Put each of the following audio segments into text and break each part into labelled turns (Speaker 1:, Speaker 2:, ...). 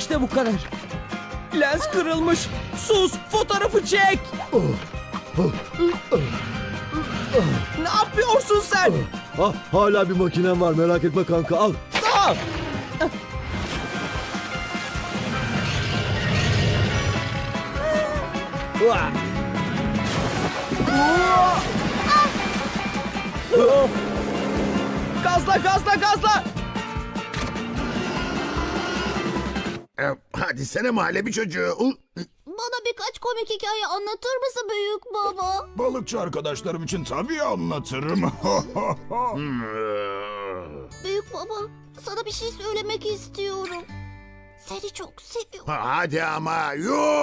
Speaker 1: İşte bu kadar. Lens kırılmış. Sus, fotoğrafı çek. Ne yapıyorsun sen?
Speaker 2: Ah, hala bir makinem var, merak etme kanka, al.
Speaker 1: Aa! Uah! Gazla, gazla, gazla.
Speaker 3: Hadi sene mahalle çocuğu.
Speaker 4: Bana birkaç komik hikaye anlatır mısın büyük baba?
Speaker 5: Balıkçı arkadaşlarım için tabii anlatırım.
Speaker 4: Büyük baba, sana bir şey söylemek istiyorum. Seni çok seviyorum.
Speaker 3: Hadi ama.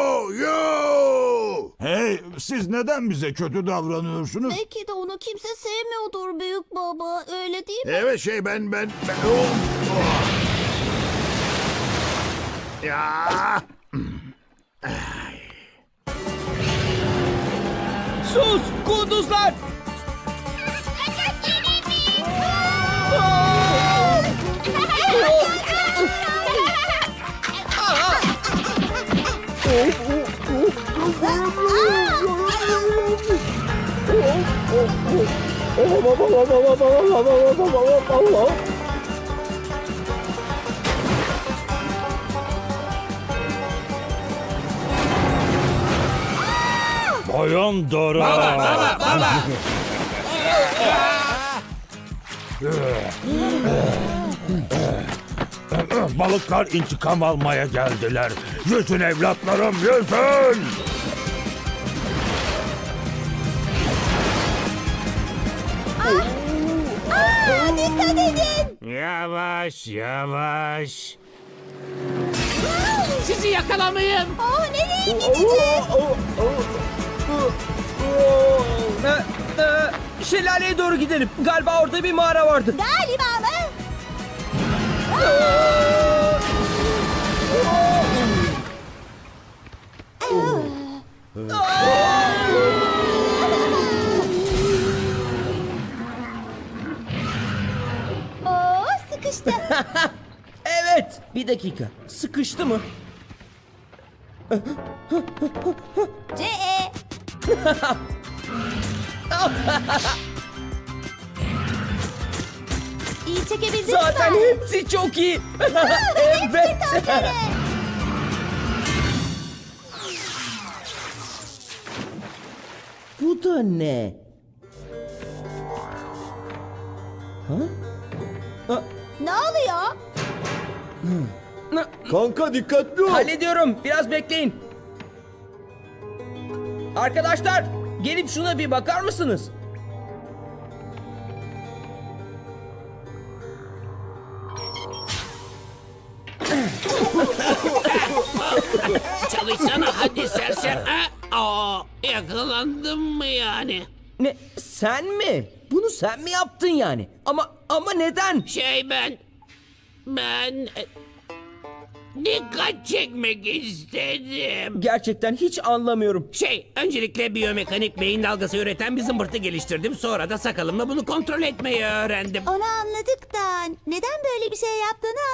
Speaker 3: Yo.
Speaker 5: Hey, siz neden bize kötü davranıyorsunuz?
Speaker 4: Belki de onu kimse sevmiyordur büyük baba. Öyle değil mi?
Speaker 3: Evet ben. Ya.
Speaker 1: Sus, kunduzlar.
Speaker 5: Bayan Dora. Balıklar intikam almaya geldiler. Yüzün evlatlarım, yüzün!
Speaker 4: Dikkat edin.
Speaker 6: Yavaş. Sizi yakalamayayım.
Speaker 4: Nereye gideceğiz?
Speaker 1: Şelaleye doğru gidelim. Galiba orada bir mağara vardı.
Speaker 4: Galiba mı? Sıkıştı.
Speaker 1: Evet. Bir dakika. Sıkıştı mı?
Speaker 4: C.E. İyi çekebildin mi?
Speaker 1: Zaten hepsi çok iyi. Evet. Bu da ne?
Speaker 4: Ne oluyor?
Speaker 2: Kanka dikkatli ol.
Speaker 1: Hallediyorum. Biraz bekleyin. Arkadaşlar, gelip şuna bir bakar mısınız?
Speaker 6: Çalışsana hadi sersem. Yakalandım mı yani?
Speaker 1: Ne? Sen mi? Bunu sen mi yaptın yani? Ama neden?
Speaker 6: Ben dikkat çekmek istedim.
Speaker 1: Gerçekten hiç anlamıyorum.
Speaker 6: Öncelikle biyomekanik beyin dalgası üreten bir zımbırtı geliştirdim. Sonra da sakalımla bunu kontrol etmeyi öğrendim.
Speaker 4: Onu anladık da neden böyle bir şey yaptığını